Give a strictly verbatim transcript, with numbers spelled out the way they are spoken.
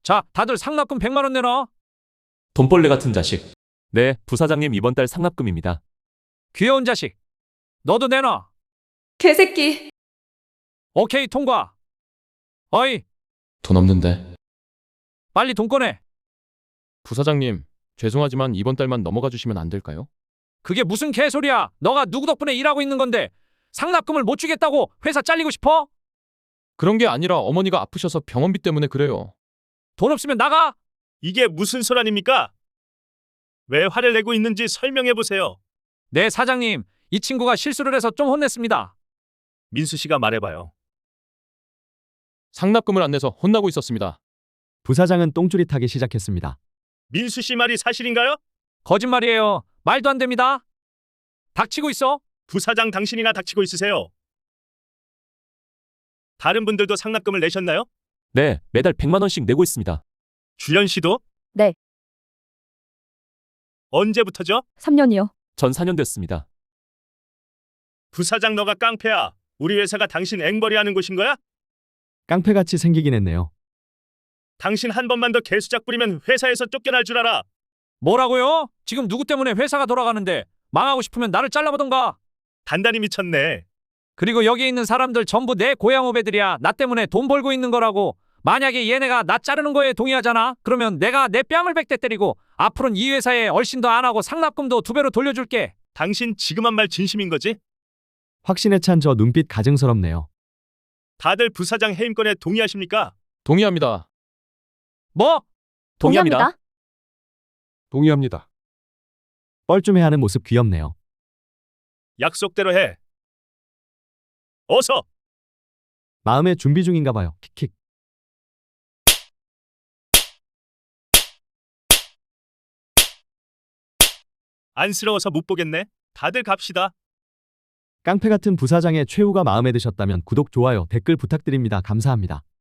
자, 다들 상납금 백만 원 내놔. 돈벌레 같은 자식. 네, 부사장님 이번 달 상납금입니다. 귀여운 자식. 너도 내놔. 개새끼. 오케이, 통과. 어이, 돈 없는데. 빨리 돈 꺼내. 부사장님, 죄송하지만 이번 달만 넘어가 주시면 안 될까요? 그게 무슨 개소리야. 너가 누구 덕분에 일하고 있는 건데 상납금을 못 주겠다고 회사 잘리고 싶어? 그런 게 아니라 어머니가 아프셔서 병원비 때문에 그래요. 돈 없으면 나가. 이게 무슨 소란입니까? 왜 화를 내고 있는지 설명해 보세요. 네, 사장님. 이 친구가 실수를 해서 좀 혼냈습니다. 민수 씨가 말해봐요. 상납금을 안 내서 혼나고 있었습니다. 부사장은 똥줄이 타기 시작했습니다. 민수 씨 말이 사실인가요? 거짓말이에요. 말도 안 됩니다. 닥치고 있어. 부사장 당신이나 닥치고 있으세요. 다른 분들도 상납금을 내셨나요? 네, 매달 백만 원씩 내고 있습니다. 주연 씨도? 네. 언제부터죠? 삼 년이요. 전 사 년 됐습니다. 부사장 너가 깡패야. 우리 회사가 당신 앵벌이 하는 곳인 거야? 깡패같이 생기긴 했네요. 당신 한 번만 더 개수작 부리면 회사에서 쫓겨날 줄 알아. 뭐라고요? 지금 누구 때문에 회사가 돌아가는데 망하고 싶으면 나를 잘라보던가. 단단히 미쳤네. 그리고 여기 있는 사람들 전부 내 고향 후배들이야. 나 때문에 돈 벌고 있는 거라고. 만약에 얘네가 나 자르는 거에 동의하잖아? 그러면 내가 내 뺨을 백 대 때리고 앞으로는 이 회사에 얼씬도 안 하고 상납금도 두 배로 돌려줄게. 당신 지금 한 말 진심인 거지? 확신에 찬 저 눈빛 가증스럽네요. 다들 부사장 해임권에 동의하십니까? 동의합니다. 뭐? 동의합니다. 동의합니다. 뻘쭘해하는 모습 귀엽네요. 약속대로 해. 어서! 마음의 준비 중인가 봐요. 킥킥. 안쓰러워서 못 보겠네. 다들 갑시다. 깡패 같은 부사장의 최후가 마음에 드셨다면 구독, 좋아요, 댓글 부탁드립니다. 감사합니다.